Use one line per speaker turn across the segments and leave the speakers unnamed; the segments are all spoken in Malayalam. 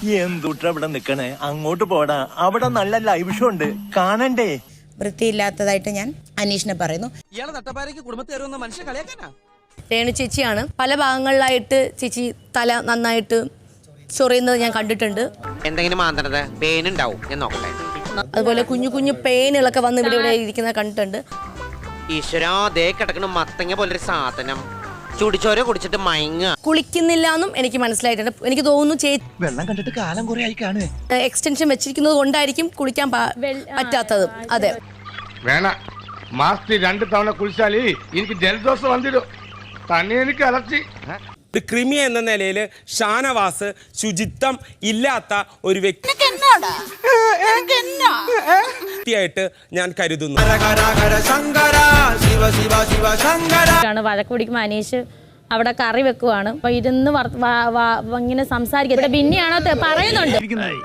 എന്തുട്ര ഇവിടെ നിക്കണേ, അങ്ങോട്ട് പോടാ, അവിടെ നല്ല ലൈവ് ഷോ ഉണ്ട്, കാണണ്ടേ?
വൃത്തിയില്ലാത്തതായിട്ട് ഞാൻ അനീഷിനെ പറയുന്നു.
രേണു ചേച്ചിയാണ് പല ഭാഗങ്ങളിലായിട്ട് ചേച്ചി തല നന്നായിട്ട് ചൊറിയുന്നത് ഞാൻ കണ്ടിട്ടുണ്ട്.
എന്തെങ്കിലും മാന്തണത് പേനുണ്ടാവും ഞാൻ നോക്കട്ടെ.
അതുപോലെ കുഞ്ഞു കുഞ്ഞു പേനുകളൊക്കെ വന്ന് ഇവിടെ ഇരിക്കുന്നത് കണ്ടിട്ടുണ്ട്.
ഈശ്വരാ, ദേ കിടക്കണ മത്തങ്ങ പോലൊരു സാധനം ചുടിച്ചോര കുടിച്ചിട്ട് മയങ്ങ.
കുളിക്കുന്നില്ല എന്നും എനിക്ക് മനസ്സിലായിട്ടുണ്ട്. എനിക്ക് തോന്നുന്നു ചേച്ചി
വെള്ളം കണ്ടിട്ട് കാലം കുറെ ആയി കാണുവേ.
എക്സ്റ്റൻഷൻ വെച്ചിരിക്കുന്നത് കൊണ്ടായിരിക്കും കുളിക്കാൻ പറ്റാത്തത്. അതെ,
വേണ മാസത്തിൽ 2 തവണ കുളിച്ചാൽ എനിക്ക് ജലദോഷം വന്നിടും. തന്നെ എനിക്ക് അലർച്ചി.
ഒരു ക്രിമി എന്ന നിലയിൽ ഷാനവാസ് ശുചിത്വം ഇല്ലാത്ത ഒരു വ്യക്തിയായിട്ട് ഞാൻ കരുതുന്നു.
വഴക്ക് പിടിക്കുമ്പോൾ അനീഷ് അവിടെ കറി വെക്കുവാണ്. അപ്പൊ ഇരുന്ന് ഇങ്ങനെ സംസാരിക്കുന്നത് പിന്നെയാണോ പറയുന്നുണ്ട്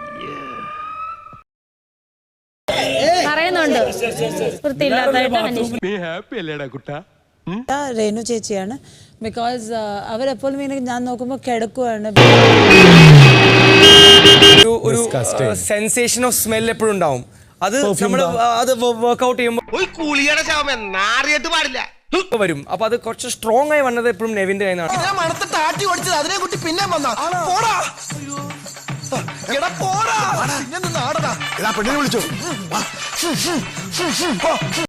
വൃത്തിയില്ലാത്തതായിട്ട് അനീഷ്.
രേണു ചേച്ചിയാണ്. ബിക്കോസ് അവരെപ്പോഴും ഞാൻ നോക്കുമ്പോൾ കിടക്കുവാണ്.
ഒരു സെൻസേഷൻ ഓഫ് സ്മെൽ എപ്പോഴും ഉണ്ടാവും. അത് നമ്മൾ അത് വർക്ക്ഔട്ട് ചെയ്യുമ്പോൾ വരും. അപ്പൊ അത് കുറച്ച് സ്ട്രോങ് ആയി വന്നത് എപ്പോഴും നെവിന്റെ കയ്യിലാണ്.